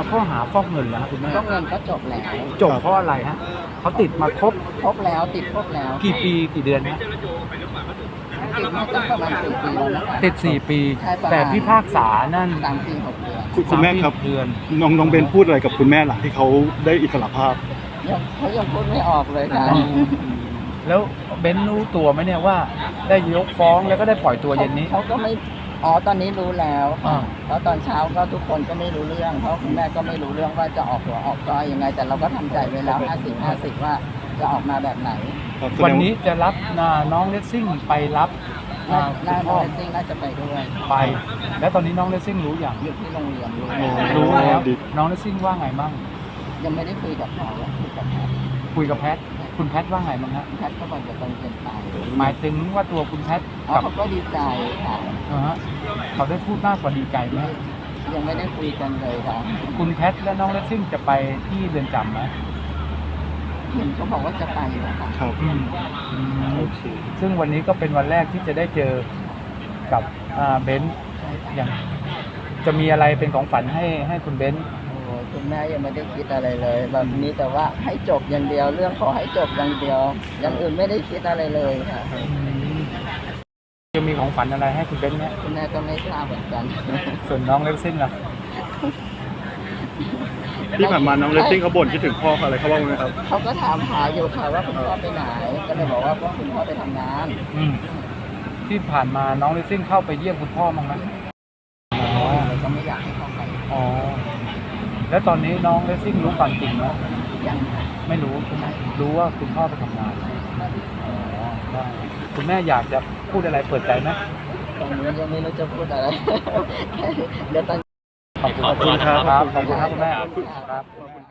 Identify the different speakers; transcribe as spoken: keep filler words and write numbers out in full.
Speaker 1: ข้อหาฟอกเงินแล้วคุณแม่
Speaker 2: ก็เงินก็จบแล้ว
Speaker 1: จบเพราะอะไรฮะเขาติดมาครบ
Speaker 2: ครบแล้วติดครบแล้ว
Speaker 1: กี่ปีกี่เดือนฮะ
Speaker 2: ติดมาตั้งประมาณสี่ปีแล้วนะคะ
Speaker 1: ติดสี่ปี
Speaker 2: ใช่ประมาณ
Speaker 1: แต่พิพากษานั่น
Speaker 2: สามปีหกเดือน
Speaker 3: คุณคุณแม่ครับ
Speaker 1: เดือน
Speaker 3: น้องน้องเบนพูดอะไรกับคุณแม่หลังที่เขาได้อิสรภาพ
Speaker 2: ยังเขายังพูดไม่ออกเลยค่ะ
Speaker 1: แล้วเบนรู้ตัวไหมเนี่ยว่าได้ยกฟ้องแล้วก็ได้ปล่อยตัวเย็นนี้
Speaker 2: เขาก็ไม่อ๋อตอนนี้รู้แล้ว
Speaker 1: อ่า
Speaker 2: เพราะตอนเช้าก็ทุกคนก็ไม่รู้เรื่อง เพราะคุณแม่ก็ไม่รู้เรื่องว่าจะออกหัวออกก้อยยังไง แต่เราก็ทำใจไว้แล้วห้าสิบห้าสิบว่าจะออกมาแบบไหน
Speaker 3: ครับแสดง
Speaker 1: วันนี้จะรับนาน้องเลสซิ่งไปรับ
Speaker 2: น่า
Speaker 1: อ่า
Speaker 2: น่า
Speaker 1: คุณพ่อ
Speaker 2: จะซิ่งน่าจะไปด้วย
Speaker 1: ไป แล้วตอนนี้น้องเลสซิ่งรู้อย่าง
Speaker 2: อยู่ที่โรงเรียนรู้
Speaker 3: อ๋อ
Speaker 1: รู้แล้ว
Speaker 3: ดี
Speaker 1: น้องเลสซิ่งว่าไงบ้าง
Speaker 2: ยังไม่ได้คุยกับเขาคุยกับแพทย์
Speaker 1: คุยกับแพทคุณแพทว่าไงบ้างฮะ
Speaker 2: แพทย์ก็บอกจะต้องเรียนไป
Speaker 1: หมายถึงว่าตัวคุณแพท
Speaker 2: อ๋อ
Speaker 1: กับ
Speaker 2: เขาก็ดีใจค่ะ
Speaker 1: อ่าฮะเขาได้พูดมากกว่าดีใจไหม
Speaker 2: ยังไม่ได้คุยกันเลยค่ะ
Speaker 1: คุณแพทและน้องเลสซิ่งจะไปที่เรือนจำไหม
Speaker 2: เห็นเขาบอกว่าจะไปนะคะ
Speaker 3: ครับ
Speaker 1: อืมอืม
Speaker 3: โอเค
Speaker 1: ซึ่งวันนี้ก็เป็นวันแรกที่จะได้เจอกับอ่าเบนซ์
Speaker 2: ใช่ค่ะ
Speaker 1: อย่างจะมีอะไรเป็นของฝันให้ให้คุณเบนซ์
Speaker 2: โอ้ยคุณแม่ยังไม่ได้คิดอะไรเลยแบบนี้แต่ว่าให้จบอย่างเดียวเรื่องขอให้จบอย่างเดียว อย่างอื่นไม่ได้คิดอะไรเลยค่ะ
Speaker 1: จะมีของฝันอะไรให้คุณเบนซ์เนี่ย
Speaker 2: คุณแม่ก็ไม่ทราบเหมือนกัน
Speaker 1: ส่วนน้องเลสซิ่งล่ะ
Speaker 3: ที่ผ่านมาน้องเลสซิ่งเขาบ่นคิดถึงพ่อเขาอะไรเขาบ้างไหมครับ
Speaker 2: เขาก็ถามหาอยู่ค่ะว่าคุณพ่อไปไหน ก็เลยบอกว่าคุณพ่อไปทำงาน
Speaker 1: อืมที่ผ่านมาน้องเลสซิ่งเข้าไปเยี่ยมคุณพ่อมั้างไหมอ๋อ
Speaker 2: เราก็ไม่อยากให้เขาไป
Speaker 1: อ๋อแล้วตอนนี้น้องเลสซิ่งรู้ความจริงไหม
Speaker 2: ยัง
Speaker 1: ไม่รู้ใช่ไหมรู้ว่าคุณพ่อไปทำงานอ๋อได้คุณแม่อยากจะพูดอะไรเปิดใจไหม
Speaker 2: ตรงนี้ยังไม่รู้จะพูดอะไร เดี๋ยวตอน
Speaker 1: ขอบคุณครับ ขอบคุณครับคุณแม่ครับ